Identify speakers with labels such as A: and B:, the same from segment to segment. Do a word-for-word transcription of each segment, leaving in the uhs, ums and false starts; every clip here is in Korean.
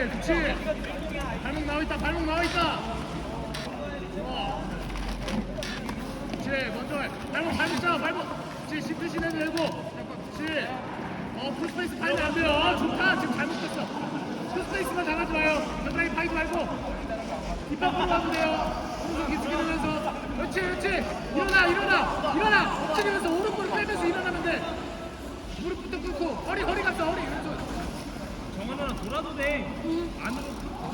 A: 그렇지. 발목 나와 있다. 발목 나와 있다. 좋아. 그렇지. 먼저 해. 발목 발목 잡아. 발목. 그렇지. 시프 시내도 되고. 그렇지. 어 풀스페이스 파이면 안 돼요. 어, 좋다. 지금 잘못됐어. 풀스페이스만 당하지 마요. 겨드랑이 파이지 말고. 뒷바퀴로 가도 돼요. 오른손 기죽이면서. 그렇지 그렇지. 일어나 일어나 일어나. 엎치면서 오른손 빼면서 일어나면 돼. 무릎부터 꿇고 허리 허리 갔어 허리. 왼손.
B: 정원아 돌아도 돼. 안으로.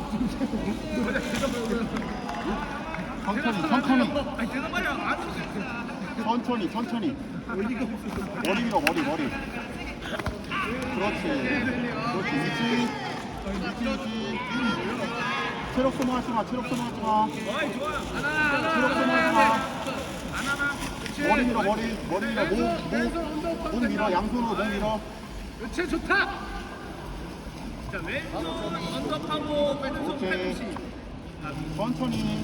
C: 천천히 천천히
B: 아니 대답 말이야. 안으로.
C: 천천히 천천히 머리 밀어 머리 머리 그렇지 그렇지 위치 위치 위치 체력 소모하지 마 체력 소모하지 마
B: 어이 좋아.
C: 체력 소모하지 마
B: 안 하나.
C: 머리 밀어 머리 머리 밀어 몸몸몸 밀어 양손으로 몸 밀어
A: 그렇지 좋다.
B: 자 왼손 언더하고 왼손
C: 오케이
B: 팔꿈치.
C: 천천히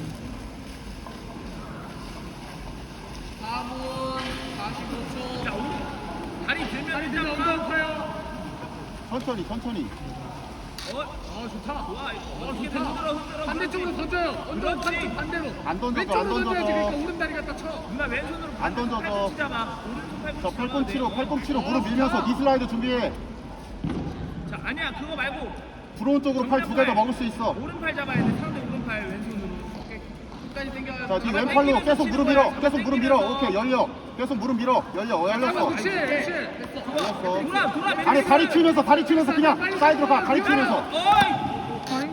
A: 사 분 사십오 초.
B: 자 오른 다리 들면
A: 다리
B: 일단
A: 들면
B: 파.
A: 엉덩이 파요.
C: 천천히 천천히
B: 어
A: 어 좋다.
B: 좋아.
A: 어
B: 어떻게
A: 좋다.
B: 흔들어 흔들어.
A: 반대쪽으로 던져요. 엉덩이
B: 그렇지.
A: 반쪽 반대로.
C: 안 던져줘,
A: 왼쪽으로
C: 안 던져줘.
A: 던져야지. 그러니까 오른다리 갖다 쳐.
B: 누나 왼손으로
C: 안 던져줘.
B: 팔꿈치 잡아. 오른손 팔꿈치.
C: 저 팔꿈치로
B: 잡아야 돼.
C: 팔꿈치로 무릎 밀면서 니 슬라이드 준비해
B: 자 아니야 그거 말고
C: 들어온 쪽으로 팔 두 개 더 먹을 수 있어
B: 오른팔 잡아야 돼. 상대 오른팔 왼손으로.
A: 끝까지 당겨요.
C: 자, 니 왼팔로 계속 무릎 밀어. 계속 무릎 밀어. 오케이, 열려. 계속 무릎 밀어. 열려. 어, 열렸어.
A: 그렇지 그렇지. 됐어.
C: 열렸어.
B: 돌아 돌아.
C: 아니, 다리 튀면서, 다리 튀면서 그냥 사이드로 가. 다리 튀면서.
B: 어이.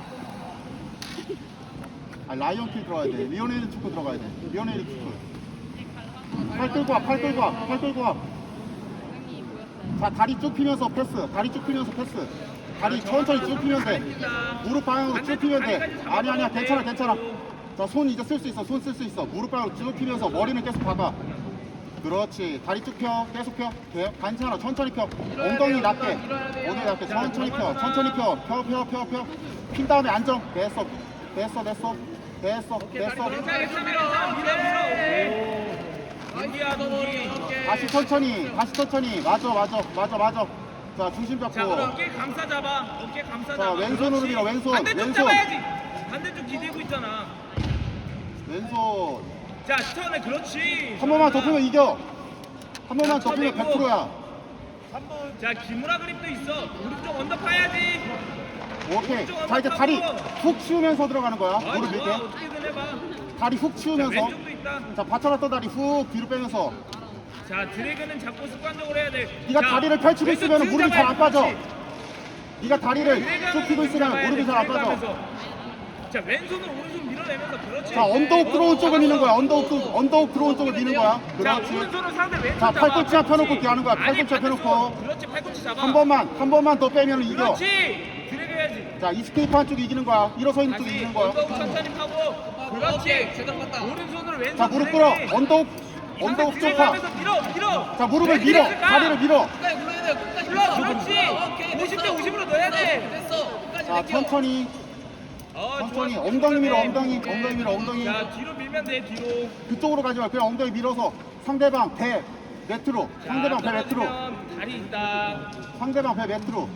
C: 아, 라이언 킬 들어가야 돼. 리오네일 축구 들어가야 돼. 리오네일 축구. 팔 끌고 와, 팔 끌고 와, 팔 끌고 와. 자, 다리 쭉 피면서 패스. 다리 쭉 피면서 패스. 다리 천천히 쭉 피면 돼. 무릎 방향으로 쭉 피면 돼. 아니, 아니야. 괜찮아, 괜찮아. 자, 손 이제 쓸 수 있어. 손 쓸 수 있어. 무릎 방향으로 쭉 피면서 머리는 계속 박아. 그렇지. 다리 쭉 펴. 계속 펴. 돼. 괜찮아. 천천히 펴. 엉덩이 낮게. 엉덩이 낮게. 천천히 펴. 천천히 펴. 펴, 펴, 펴, 펴. 핀 다음에 안정. 됐어. 됐어, 됐어. 됐어, 됐어.
B: 괜찮아 밀어 밀어. 인디야 인디.
C: 다시 천천히. 다시 천천히. 맞아, 맞아, 맞아, 맞아. 자, 중심
B: 자
C: 잡고.
B: 그럼 어깨 감싸 잡아. 어깨 감싸
C: 자,
B: 잡아.
C: 왼손으로
B: 그렇지.
C: 밀어, 왼손,
B: 반대쪽
C: 왼손.
B: 잡아야지. 반대쪽 기대고 있잖아.
C: 왼손.
B: 자 스턴에 그렇지.
C: 한 번만 더 피면 이겨. 한 번만 더 피면 백 퍼센트야.
B: 자 기무라 그립도 있어. 오른쪽 언더 파야지.
C: 오케이. 자, 이제 다리 훅 치우면서 들어가는 거야.
B: 아
C: 무릎
B: 좋아.
C: 밑에.
B: 어떻게든 해봐.
C: 다리 훅
B: 자
C: 치우면서.
B: 왼쪽도 있다.
C: 자, 받쳐놨던 다리 훅 뒤로 빼면서.
B: 자 드래그는 잡고 습관적으로 해야 돼.
C: 네가
B: 자,
C: 다리를 펼치고
B: 왼쪽
C: 있으면
B: 등
C: 무릎이 잘 안
B: 잡아야지.
C: 빠져.
B: 그렇지.
C: 네가 다리를
B: 드래그는
C: 쭉 펴고
B: 등
C: 있으면
B: 잡아야
C: 무릎이
B: 돼,
C: 잘 안
B: 드래그
C: 빠져.
B: 하면서. 자 왼손으로 오른손 밀어내면서 그렇지.
C: 자, 언더욱 들어온 쪽을 미는 거야. 언더욱, 들- 언더욱 들어온 쪽을 미는 거야.
B: 자
C: 그렇지.
B: 오른손으로 상대 왼손
C: 자,
B: 잡아.
C: 팔꿈치 한 펴놓고
B: 그렇지.
C: 하는 거야.
B: 아니,
C: 팔꿈치 한 펴놓고.
B: 반대손. 그렇지 팔꿈치 잡아.
C: 한 번만, 한 번만 더 빼면 이겨.
B: 그렇지. 드래그 해야지.
C: 자, 이스케이프 한쪽이 이기는 거야. 일어서 있는 쪽이
B: 다시
C: 이기는 거야.
B: 언더욱 천천히 파고. 그렇지.
A: 제대로 갔다.
B: 오른손으로 왼손.
C: 자, 무릎 꿇어.
B: 드래그.
C: 언더욱,
B: 상대
C: 언더욱 쪽
B: 드래그
C: 파.
B: 하면서 밀어 밀어.
C: 자, 무릎을
B: 네,
C: 밀어.
B: 드래그 가.
C: 다리를 밀어.
A: 끝까지 눌러야 돼요. 끝까지
B: 밀어.
A: 눌러.
B: 그렇지.
A: 오케이,
B: 오십 대
A: 됐어.
B: 오십으로 넣어야 돼.
A: 됐어. 끝까지
C: 자,
A: 당겨.
C: 천천히.
B: 어,
C: 천천히.
B: 좋아.
C: 엉덩이 밀어,
B: 네.
C: 엉덩이. 엉덩이 밀어, 엉덩이.
B: 자 뒤로 밀면 돼 뒤로.
C: 그쪽으로 가지 마. 그냥 엉덩이 밀어서 상대방 배 매트로.
B: 자,
C: 상대방 배 매트로.
B: 떨어지면 다리 있다.
C: 상대방 배 매트로.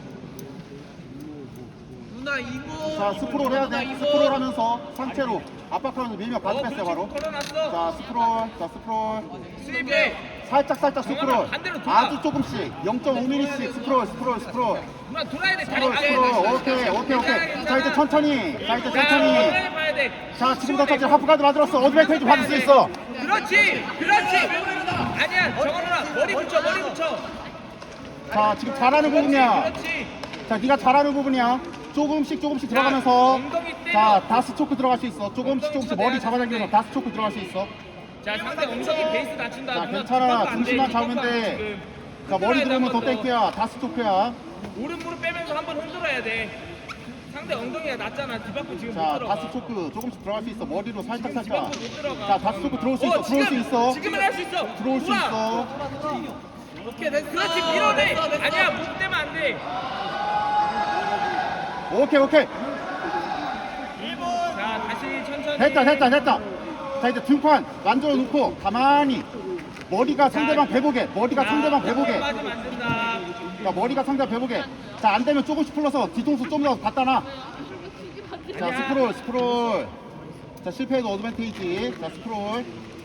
A: 누나 이거.
C: 자, 스프롤 해야 돼. 스프롤 하면서 상체로 압박하면서 밀면 바로
B: 어,
C: 뺐어요,
B: 그렇지.
C: 바로.
B: 걸어놨어.
C: 자, 스프롤. 자, 스프롤.
B: 스리백.
C: 살짝 살짝 스프롤.
B: 정확히 반대로 돌아.
C: 아주 조금씩. 영 점 오 밀리미터씩 스프롤, 스프롤, 스프롤.
B: 누나 돌아야 돼. 다리
C: 스프롤,
B: 가야 돼.
C: 스프롤. 오케이, 오케이, 오케이. 자, 이제 천천히. 자, 이제
B: 자,
C: 천천히.
B: 엉덩이 봐야 돼.
C: 자, 지금부터 하프가드 만들었어. 어드밴테이지 받을 수 있어.
B: 그렇지. 그렇지. 아니야. 정원 누나 머리 붙여. 머리 붙여.
C: 자, 지금 잘하는 부분이야.
B: 그렇지.
C: 자, 네가 잘하는 부분이야. 조금씩 조금씩 들어가면서.
B: 엉덩이 때려.
C: 자, 다스 초크 들어갈 수 있어. 조금씩 조금씩 머리
B: 엉덩이
C: 잡아당기면서
B: 쳐내야
C: 다스 초크 들어갈 수 있어.
B: 자 상대 엉덩이 베이스 낮춘다.
C: 자,
B: 누나
C: 괜찮아.
B: 뒷박도 안 돼,
C: 중심만
B: 뒷박도
C: 잡으면
B: 안 돼,
C: 돼.
B: 지금.
C: 자, 머리
B: 흔들어야 돼,
C: 들으면 더
B: 한번
C: 땡큐야. 다스 초크야.
B: 오른 무릎 빼면서 한번 흔들어야 돼. 상대 엉덩이가 낮잖아. 뒤바꾸 지금 못
C: 자,
B: 들어가.
C: 다스 초크 조금씩 들어갈 수 있어. 머리로 살짝 살짝.
B: 뒤바꾸 못 들어가.
C: 자, 다스 초크 들어올 수 있어.
B: 어,
C: 들어올 수
B: 지금,
C: 있어.
B: 지금은 할 수 있어.
C: 들어올 수
B: 우와.
C: 있어.
A: 오케이 됐어.
B: 그렇지 밀어내.
A: 됐어, 됐어.
B: 아니야 못 대면 안 돼.
C: 오케이, 오케이.
B: 자 다시 천천히.
C: 됐다, 됐다, 됐다. 자, 이제 등판 만들어 놓고 가만히 머리가 상대방 배보게. 머리가 상대방 배보게.
B: 맞으면 안 된다.
C: 자, 머리가 상대 배보게. 자, 안 되면 조금씩 풀러서 뒤통수 좀 더 갖다 놔. 자,
B: 아니야.
C: 스크롤, 스크롤. 자, 실패해도 어드밴테이지. 자, 스크롤.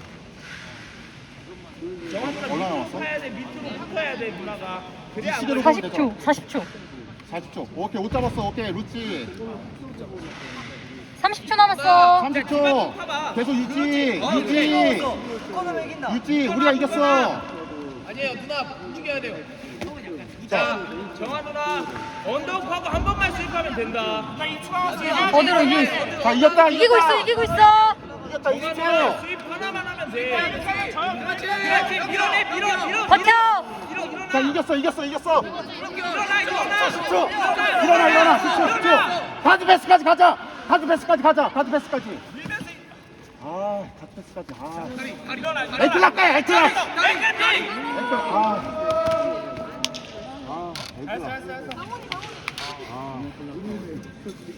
B: 정한이가
C: 얼마나
B: 밑으로
C: 남았어?
B: 파야 돼. 밑으로 붙어야 돼 누나가. 그래 안
C: 시계로
B: 걸려.
C: 보면
D: 사십 초, 사십 초.
C: 사십 초. 오케이, 옷 잡았어. 오케이, 루치.
D: 삼십 초 남았어.
C: 삼십 초. 계속 유지. 유지. 유지. 우리가 이겼어.
B: 아니에요 누나 움직여야 돼요. 자 정한 누나 언더하고 한 번만 수입하면 된다.
D: 어디로 이기?
C: 자, 이겼다.
D: 이기고 있어, 이기고 있어.
C: 이겼다. 이십 초.
B: 정한아 수입 하나만 하면 돼. 그렇지 밀어내 밀어 밀어.
D: 버텨.
B: 밀어 일어나.
C: 자, 이겼어. 이겼어. 이겼어.
B: 일어나 일어나.
C: 십 초. 일어나, 일어나. 십 초. 십 초. 가드 패스까지 가자. 가드 패스까지 가자. 가드 패스까지. 아, 가드 패스까지. 아.
B: 일어나.
C: 에이클락 가. 에이클락.
B: 끝까지.
C: 에이클락. 아. 아, 에이클락. 아.